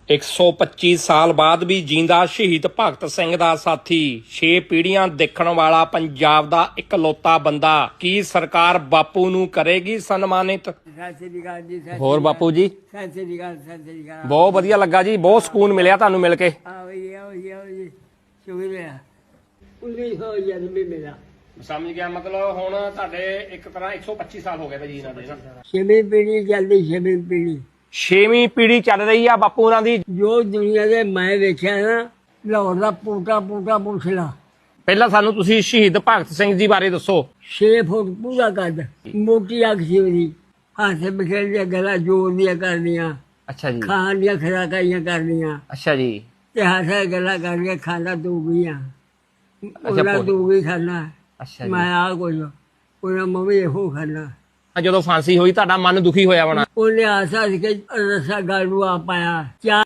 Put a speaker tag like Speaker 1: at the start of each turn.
Speaker 1: 125 ਸਾਲ ਬਾਅਦ ਵੀ ਜਿੰਦਾ ਸ਼ਹੀਦ ਭਗਤ ਸਿੰਘ ਦਾ ਸਾਥੀ 6 ਪੀੜ੍ਹੀਆਂ ਦੇਖਣ ਵਾਲਾ ਪੰਜਾਬ ਦਾ ਇਕਲੌਤਾ ਬੰਦਾ। ਕੀ ਸਰਕਾਰ ਬਾਪੂ ਨੂੰ ਕਰੇਗੀ ਸਨਮਾਨਿਤ? ਹੋਰ ਬਾਪੂ ਜੀ ਬਹੁਤ ਵਧੀਆ ਲੱਗਾ ਜੀ, ਬਹੁਤ ਸਕੂਨ ਮਿਲਿਆ ਤੁਹਾਨੂੰ ਮਿਲ ਕੇ। ਸਮਝ ਗਿਆ, ਮਤਲਬ ਹੁਣ ਤੁਹਾਡੇ ਇੱਕ ਤਰ੍ਹਾਂ 125 ਸਾਲ ਹੋ ਗਏ ਭਾਜੀ ਇਹਨਾਂ ਦੇ ਨਾ।
Speaker 2: 6ਵੀਂ ਪੀੜ੍ਹੀ ਚੱਲਦੀ, 6ਵੀਂ ਪੀੜ੍ਹੀ
Speaker 1: 6ਵੀਂ ਪੀੜ੍ਹੀ ਚੱਲ ਰਹੀ ਆ ਬਾਪੂ ਉਹਨਾਂ ਦੀ।
Speaker 2: ਜੋ ਦੁਨੀਆ ਦੇ ਮੈਂ ਵੇਖਿਆ ਨਾ, ਲਾਹੌਰ ਦਾ ਪੂਟਾ ਪੁੱਛ ਲਾ।
Speaker 1: ਪਹਿਲਾਂ ਸਾਨੂੰ ਤੁਸੀਂ ਸ਼ਹੀਦ ਭਗਤ ਸਿੰਘ ਜੀ ਬਾਰੇ ਦੱਸੋ।
Speaker 2: 6 ਫੁੱਟ ਪੂਰਾ ਕੱਦ, ਮੋਟੀ ਅੱਖ ਸੀ ਉਹਦੀ, ਹੱਥ ਬਿਖੇਰ ਦੀਆਂ ਗੱਲਾਂ ਜੋਰ ਦੀਆਂ ਕਰਨੀਆਂ,
Speaker 1: ਅੱਛਾ ਜੀ।
Speaker 2: ਖਾਣ ਦੀਆਂ ਖੁਰਾਕਾਂ ਕਰਨੀਆਂ,
Speaker 1: ਅੱਛਾ ਜੀ।
Speaker 2: ਤੇ ਹੱਥ ਗੱਲਾਂ ਕਰਕੇ ਖਾਣਾ ਤੂੰ ਗਈਆਂ, ਉਹਨਾਂ ਤੂੰ ਵੀ ਖਾਣਾ,
Speaker 1: ਅੱਛਾ
Speaker 2: ਮੈਂ ਆ ਕੁਝ ਉਹਨਾਂ ਮੰਮੀ ਇਹੋ ਖਾਣਾ।
Speaker 1: ਜਦੋਂ ਫਾਂਸੀ ਹੋਈ ਤੁਹਾਡਾ ਮਨ ਦੁਖੀ ਹੋਇਆ ਹੋਣਾ।
Speaker 2: ਉਹਨੇ ਆਸਾ ਸੀ ਕਿ ਰਸਾ ਗਲ ਨੂੰ ਆ ਪਾਇਆ।